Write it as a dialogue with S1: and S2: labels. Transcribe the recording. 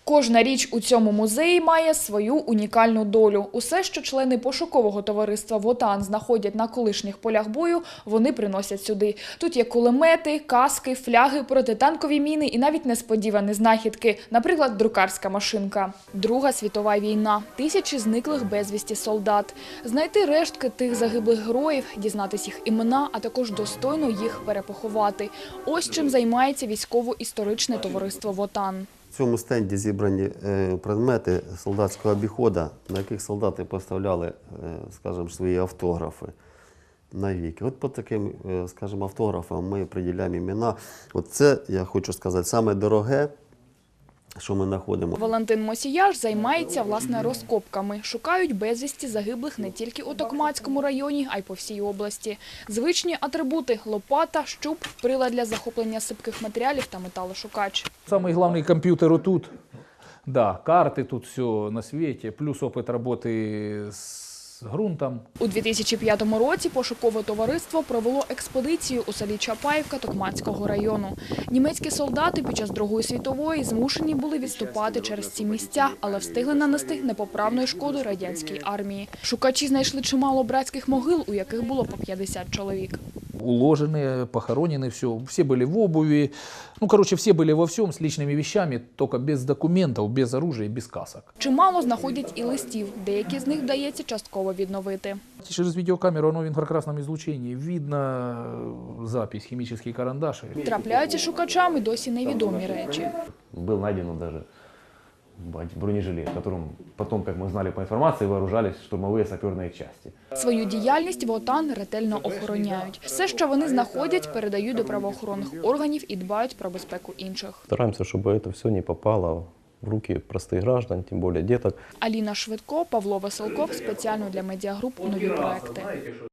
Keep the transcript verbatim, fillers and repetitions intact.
S1: Кожна річ у цьому музеї має свою унікальну долю. Усе, що члени пошукового товариства «Вотан» знаходять на колишніх полях бою, вони приносять сюди. Тут є кулемети, каски, фляги, протитанкові міни і навіть несподівані знахідки, наприклад, друкарська машинка. Друга світова війна. Тисячі зниклих безвісті солдат. Знайти рештки тих загиблих героїв, дізнатись їх імена, а також достойно їх перепоховати. Ось чим займається військово-історичне товариство «Вотан».
S2: В цьому стенді зібрані предмети солдатського обіходу, на яких солдати поставляли, скажімо, свої автографи навіки. От по таким, скажімо, автографам ми приділяємо імена. От це, я хочу сказати, саме дороге, що ми знаходимо.
S1: Валентин Мосіяш займається, власне, розкопками. Шукають безвісті загиблих не тільки у Токмацькому районі, а й по всій області. Звичні атрибути – лопата, щуп, прилад для захоплення сипких матеріалів та металошукач.
S3: Самый главный компьютер тут. Да, карты тут все на свете, плюс опыт работы с ґрунтом.
S1: У дві тисячі п'ятому році пошукове товариство провело експедицію у селі Чапаївка Токмацького району. Німецькі солдати під час Другої світової змушені були відступати через ці місця, але встигли нанести непоправної шкоди радянській армії. Шукачі знайшли чимало братських могил, у яких було по п'ятдесят чоловік.
S3: Уложены, похоронены, все. Все были в обуви. Ну, короче, все были во всем с личными вещами, только без документов, без оружия, без касок.
S1: Чимало знаходять і листів. Деякі з них вдається частково відновити.
S3: Через видеокамеру, оно в инфракрасном излучении, видно запись, химический карандаш.
S1: Трапляються шукачам і досі невідомі речі.
S4: Был найден даже бронежилет, которым потом, как мы знали по информации, вооружались штурмовые саперные части.
S1: Свою діяльність «Вотан» ретельно охороняють. Все, що вони знаходять, передають до правоохоронних органів і дбають про безпеку інших.
S5: Стараемся, чтобы это все не попало в руки простых граждан, тем более деток.
S1: Аліна Швидко, Павло Веселков. Спеціально для медіагруп «Нові проекти».